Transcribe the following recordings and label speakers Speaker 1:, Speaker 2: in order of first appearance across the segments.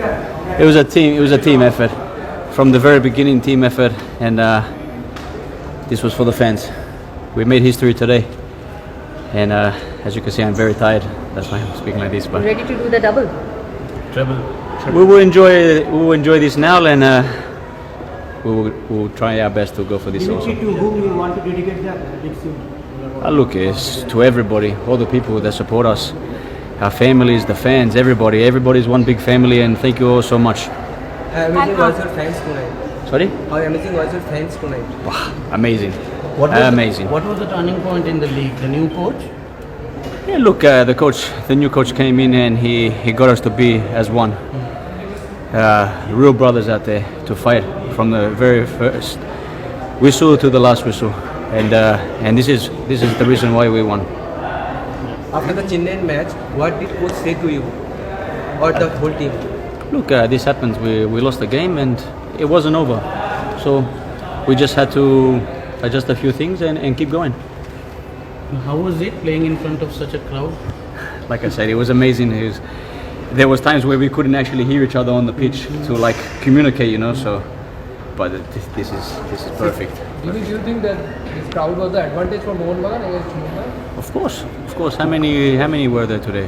Speaker 1: It was a team. It was a team effort from the very beginning. Team effort, and this was for the fans. We made history today, and as you can see, I'm very tired. That's why I'm speaking like this. But
Speaker 2: Ready to do the double?
Speaker 1: treble. We will enjoy this now, and we will try our best to go for this also.
Speaker 3: To whom you want to dedicate the next year?
Speaker 1: Look, it's to everybody, all the people that support us, our families, the fans, everybody. Everybody's one big family, and thank you all so much.
Speaker 4: How amazing was your fans tonight?
Speaker 1: Sorry?
Speaker 4: How amazing was your fans tonight?
Speaker 1: Wow, amazing. Amazing.
Speaker 5: What was the turning point in the league? The new coach?
Speaker 1: Yeah, look, the new coach came in and he got us to be as one. Real brothers out there to fight from the very first whistle to the last whistle, and this is the reason why we won.
Speaker 4: After the Chennai match, what did coach say to you or the whole team?
Speaker 1: Look, this happens. We lost the game and it wasn't over, so we just had to adjust a few things and keep going.
Speaker 5: How was it playing in front of such a crowd?
Speaker 1: Like I said, it was amazing. There was times where we couldn't actually hear each other on the pitch to like communicate, you know. So, but this is perfect.
Speaker 6: Do you think that this crowd was the advantage for Mohun Bagan against Mumbai?
Speaker 1: Of course. How many were there today?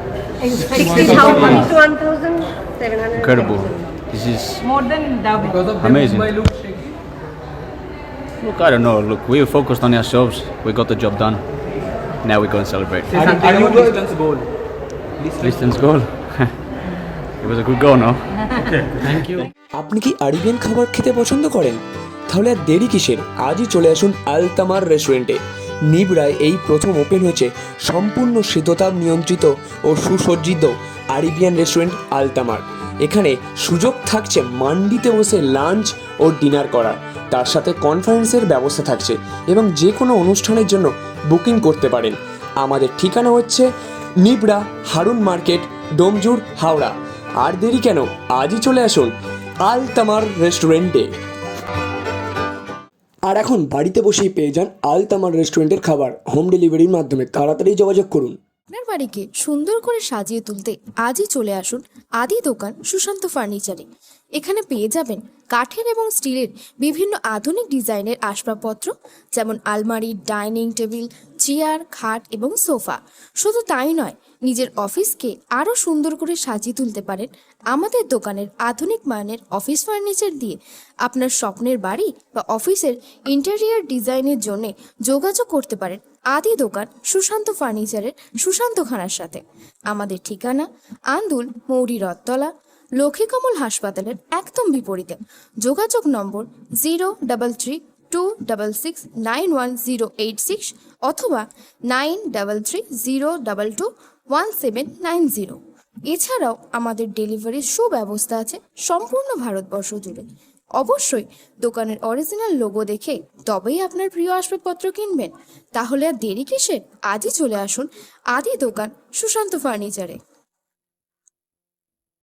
Speaker 2: 1,700.
Speaker 1: Incredible. This is
Speaker 2: More than double.
Speaker 6: Because of them,
Speaker 1: Amazing.
Speaker 6: Mumbai looked shaky.
Speaker 1: Look, I don't know. Look, we were focused on ourselves. We got the job done. Now we go and celebrate.
Speaker 4: Say something about distance goal.
Speaker 1: Distance goal. It was a good goal, no?
Speaker 5: Thank you.
Speaker 7: আপনি কি Arabian খাবার খেতে পছন্দ করেন? তাহলে আর দেরি কিসের? আজই চলে আসুন আলতামার রেস্টুরেন্টে। নিবড়ায় এই প্রথম ওপেন হয়েছে সম্পূর্ণ শীততাপ নিয়ন্ত্রিত ও সুসজ্জিত আরবিয়ান রেস্টুরেন্ট আলতামার। এখানে সুযোগ থাকছে মান্ডিতে বসে লাঞ্চ ও ডিনার করার, তার সাথে কনফারেন্সের ব্যবস্থা থাকছে এবং যে কোনো অনুষ্ঠানের জন্য বুকিং করতে পারেন। আমাদের ঠিকানা হচ্ছে নিবড়া হারুন মার্কেট, ডোমজুর, হাওড়া। আর দেরি কেন, আজই চলে আসুন আলতামার রেস্টুরেন্টে। আর এখন বাড়িতে বসেই পেয়ে যান আলতামার রেস্টুরেন্টের খাবার হোম ডেলিভারির মাধ্যমে। তাড়াতাড়ি যোগাযোগ করুন।
Speaker 8: আপনার বাড়িকে সুন্দর করে সাজিয়ে তুলতে আজই চলে আসুন আদি দোকান সুশান্ত ফার্নিচারে। এখানে পেয়ে যাবেন কাঠের এবং স্টিলের বিভিন্ন আধুনিক ডিজাইনের আসবাবপত্র, যেমন আলমারি, ডাইনিং টেবিল, চেয়ার, খাট এবং সোফা। শুধু তাই নয়, নিজের অফিসকে আরও সুন্দর করে সাজিয়ে তুলতে পারেন আমাদের দোকানের আধুনিক মানের অফিস ফার্নিচার দিয়ে। আপনার স্বপ্নের বাড়ি বা অফিসের ইন্টেরিয়ার ডিজাইনের জন্য যোগাযোগ করতে পারেন আদি দোকান সুশান্ত ফার্নিচারের সুশান্তখানার সাথে। আমাদের ঠিকানা আন্দুল, মৌরি রথতলা, লক্ষ্মীকমল হাসপাতালের একদম বিপরীতে। যোগাযোগ নম্বর 03326691086 অথবা 9330221790। এছাড়াও আমাদের ডেলিভারির সুব্যবস্থা আছে সম্পূর্ণ ভারতবর্ষ জুড়ে। অবশ্যই দোকানের অরিজিনাল লোগো দেখে তবেই আপনার প্রিয় আসবাবপত্র কিনবেন। তাহলে আর দেরি কিসের, আজই চলে আসুন আদি দোকান সুশান্ত ফার্নিচারে।